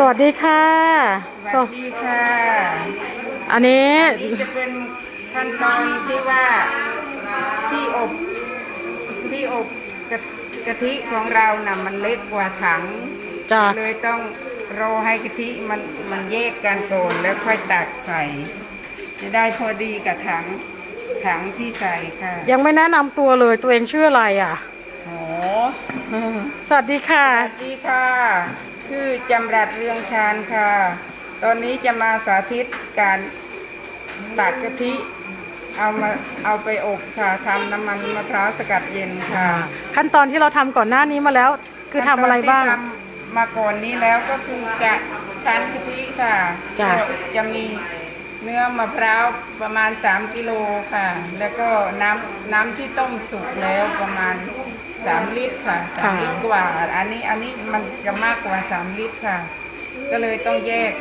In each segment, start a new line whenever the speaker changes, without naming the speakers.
วัสดีค่ะ
สวัสดีค่ะ
อันนี้
จะเป็นขั้นตอนที่ว่าที่อบกะทิของเราน่ะมันเล็กกว่าถัง
จ้ะ
เลยต้องรอให้กะทิมันแยกกันก่อนแล้วค่อยตักใส่จะได้พอดีกับถังที่ใส่ค่ะ
ยังไม่แนะนำตัวเลยตัวเองชื่ออะไรอ่ะ
โอ้
สวัสดีค่ะ
สวัสดีค่ะคือจำรัดเรืองชาญค่ะตอนนี้จะมาสาธิตการตักกะทิเอาไปอบค่ะทำน้ำมันมะพร้าวสกัดเย็นค่ะ
ขั้นตอนที่เราทำก่อนหน้านี้มาแล้วคือทำอะไรบ้าง
ทำมาก่อนนี้แล้วก็คือจะคั้นกะทิค่ะจะมีเนื้อมะพร้าวประมาณ3 กิโลค่ะแล้วก็น้ำที่ต้มสุกแล้วประมาณ3 ลิตรค่ะ3 ลิตรกว่าอันนี้มันจะมากกว่า3 ลิตรค่ะก็เลยต้องแยก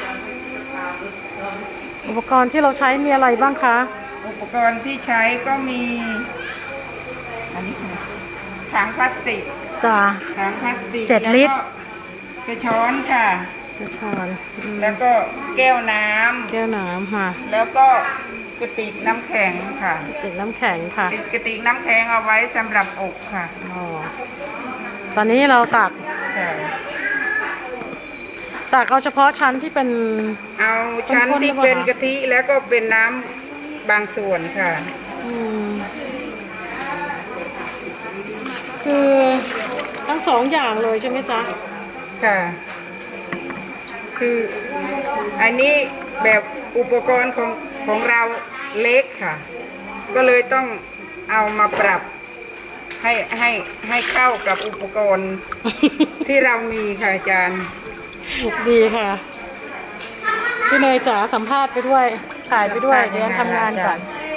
อุปกรณ์ที่เราใช้มีอะไรบ้างคะ
อุปกรณ์ที่ใช้ก็มีอันนี้ถังพลาสติก
จ้ะ
ถังพลาสติก
7 ลิตร
กระช้อนค่ะ
กระช้อน
แล้วก็แก้วน้ำ
ค่ะ
แล้วก็กระติกน้ำแข็งค่ะ
กระติกน้ำแข็งค่ะ
กระติกน้ำแข็งเอาไว้สำหรับอบค่ะ
ตอนนี้เราตักเอาเฉพาะชั้นที่เป็น
เอาชั้นที่เป็นกะทิแล้วก็เป็นน้ำบางส่วนค่ะ
คือทั้ง2 อย่างเลยใช่ไหมจ๊ะ
ค่ะคืออันนี้แบบอุปกรณ์ของเราเล็กค่ะก็เลยต้องเอามาปรับให้เข้ากับอุปกรณ์ที่เรามีค่ะอาจารย์
ดีค่ะพี่เนยจ๋าสัมภาษณ์ไปด้วยถ่ายไปด้วยเดี๋ยวทำงานก่อน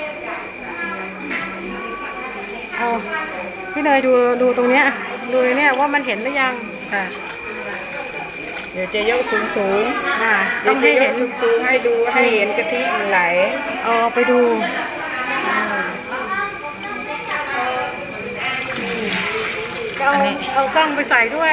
เอาพี่เนยดูตรงเนี้ยดูเนี่ยว่ามันเห็นหรือยัง
ค่ะเดี๋ยวจะยกสูง
ต้องให้เห็น
สูงให้ดูให้เห็นกะทิมันไหล
เอาไปดูเอากล้องไปใส่ด้วย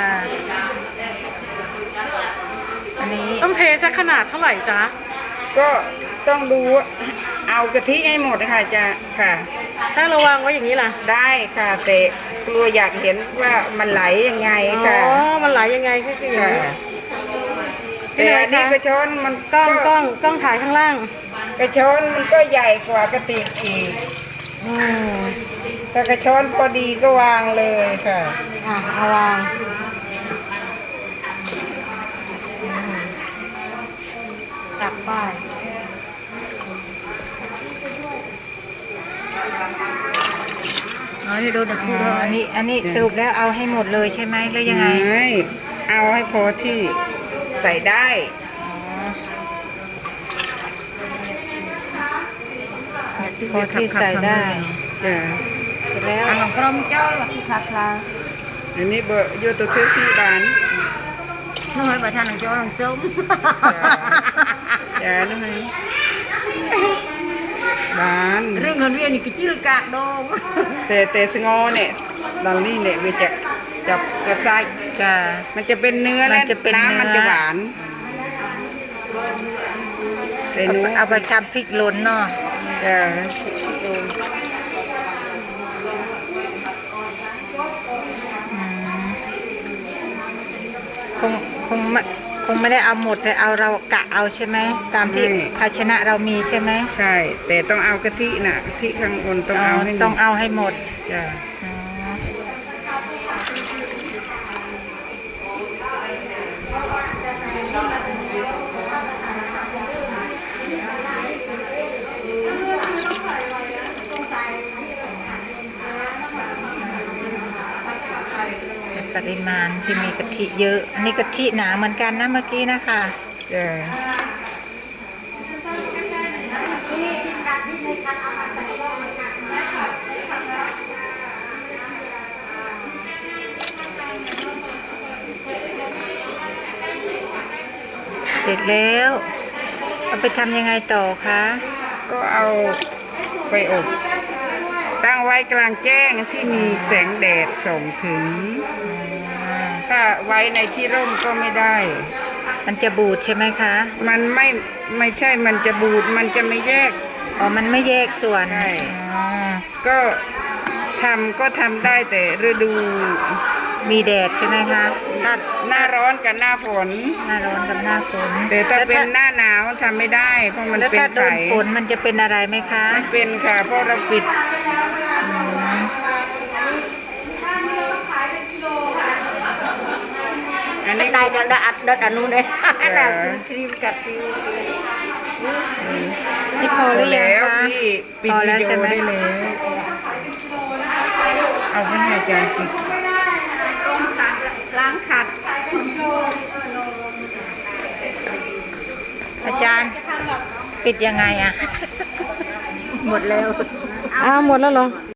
อันนี้
ต้องเทสักขนาดเท่าไหร่จ๊ะ
ก็ต้องดูเอากะทิให้หมดค่ะจะค่ะ
ถ้าระวังไว้อย่างนี้ล่ะ
ได้ค่ะแต่กลัวอยากเห็นว่ามันไหลยังไงค่ะ
มันไหลยังไงคืออย่างนี้
แต่อันนี้กระชอนมัน
กล้องถ่ายข้างล่าง
กระชอนมันก็ใหญ่กว่ากระติกอีกถ้ากระชอนพอดีก็วางเลยค่ะ
เอาวางตักป้าย
นี่ดูดักดูอันนี้สรุปแล้วเอาให้หมดเลยใช่ไหมหรือยังไงเอาให้พอที่ใส่ได้พอที่ใส่ได้เสร็จแล้วอันกรมเจ้าหลักที่ขาดลาอันนี้เบอร์โยตัวเทสีบาน
น้อยประธานของเจ้าหลังส้ม
จ้าน้อยบาน
เรื่องเงินเวียนนี่กิจิลกากโดง
แต่สงอเนี่ยตอนนี้เนี่ยวิจะจับกระไซจ้ามันจะเป็นเนื้อและน้ำมันจะหวานแต่หนูเอาไปทำพริกล้นเนาะจ้าคงไม่ได้เอาหมดแต่เอาเรากะเอาใช่ไหมตามที่ภาชนะเรามีใช่ไหมใช่แต่ต้องเอากะทิน่ะกะทิข้างบนต้องเอาให้หมดจ้ะปริมาณที่มีกะทิเยอะอันนี้กะทิหนาเหมือนกันนะเมื่อกี้นะคะเสร็จแล้วเอาไปทำยังไงต่อคะก็เอาไปอบตั้งไว้กลางแจ้งที่มีแสงแดดส่องถึงถ้าไว้ในที่ร่มก็ไม่ได้
มันจะบูดใช่ไหมคะ
มันไม่ใช่มันจะบูดมันจะไม่แยก
อ๋อมันไม่แยกส่วน
ใช่
อ๋อ
ก็ทำได้แต่ฤดู
มีแดดใช่ไหมคะถ้า
หน้าร้อนกับหน้าฝน
หน้าร้อนกับหน้าฝน
แต่ถ้าเป็นหน้าหนาวทำไม่ได้ เพราะมัน
แล้ว
เป็น
ถ้าโด
ไข่
นฝนมันจะเป็นอะไรไหมคะ
ไม่เป็นค่ะ เพราะเราปิด อันนี้
đây đã ăn đất ở luôn đấy là cream cà phê
นี่พอหรือยัง
แล้ว
คะ
พี่ปิด
พอ
วิ
แล้ว
ดี
ใช่
โอ
ไหม
ได้เลยเอาไปให้อาจารย์ปิด
ล้างขัด
อาจารย์ปิดยังไงอะ หมดแล้ว
อ้าวหมดแล้วเหรอ